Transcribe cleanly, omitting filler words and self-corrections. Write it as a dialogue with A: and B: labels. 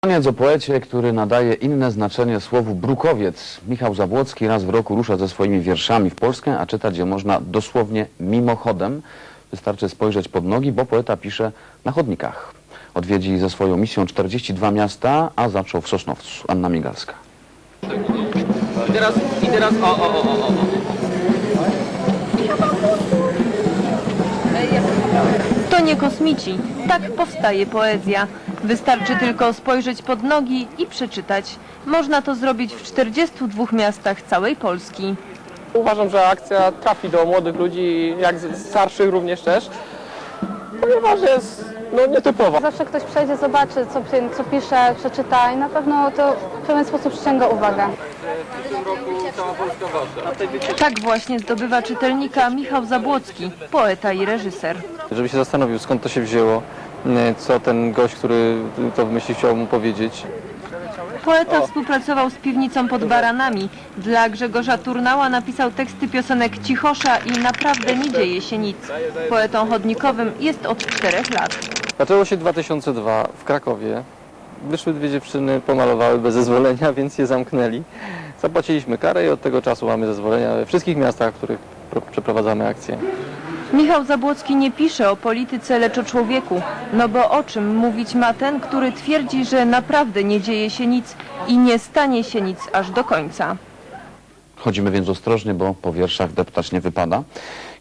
A: Koniec o poecie, który nadaje inne znaczenie słowu brukowiec. Michał Zabłocki raz w roku rusza ze swoimi wierszami w Polskę, a czytać je można dosłownie mimochodem. Wystarczy spojrzeć pod nogi, bo poeta pisze na chodnikach. Odwiedzi ze swoją misją 42 miasta, a zaczął w Sosnowcu. Anna Migalska.
B: I teraz o.
C: To nie kosmici. Tak powstaje poezja. Wystarczy tylko spojrzeć pod nogi i przeczytać. Można to zrobić w 42 miastach całej Polski.
B: Uważam, że akcja trafi do młodych ludzi, jak starszych również też, ponieważ jest nietypowa.
D: Zawsze ktoś przejdzie, zobaczy, co pisze, przeczyta i na pewno to w pewien sposób przyciąga uwagę.
B: W tym roku cała Polska wasza.
C: Tak właśnie zdobywa czytelnika Michał Zabłocki, poeta i reżyser.
E: Żeby się zastanowił, skąd to się wzięło, co ten gość, który to wymyślił, chciał mu powiedzieć.
C: Poeta współpracował z Piwnicą pod Baranami. Dla Grzegorza Turnała napisał teksty piosenek Cichosza i Naprawdę nie dzieje się nic. Poetą chodnikowym jest od 4 lat.
E: Zaczęło się 2002 w Krakowie. Wyszły dwie dziewczyny, pomalowały bez zezwolenia, więc je zamknęli. Zapłaciliśmy karę i od tego czasu mamy zezwolenia we wszystkich miastach, w których przeprowadzamy akcje.
C: Michał Zabłocki nie pisze o polityce, lecz o człowieku. No bo o czym mówić ma ten, który twierdzi, że naprawdę nie dzieje się nic i nie stanie się nic aż do końca.
A: Chodzimy więc ostrożnie, bo po wierszach deptać nie wypada.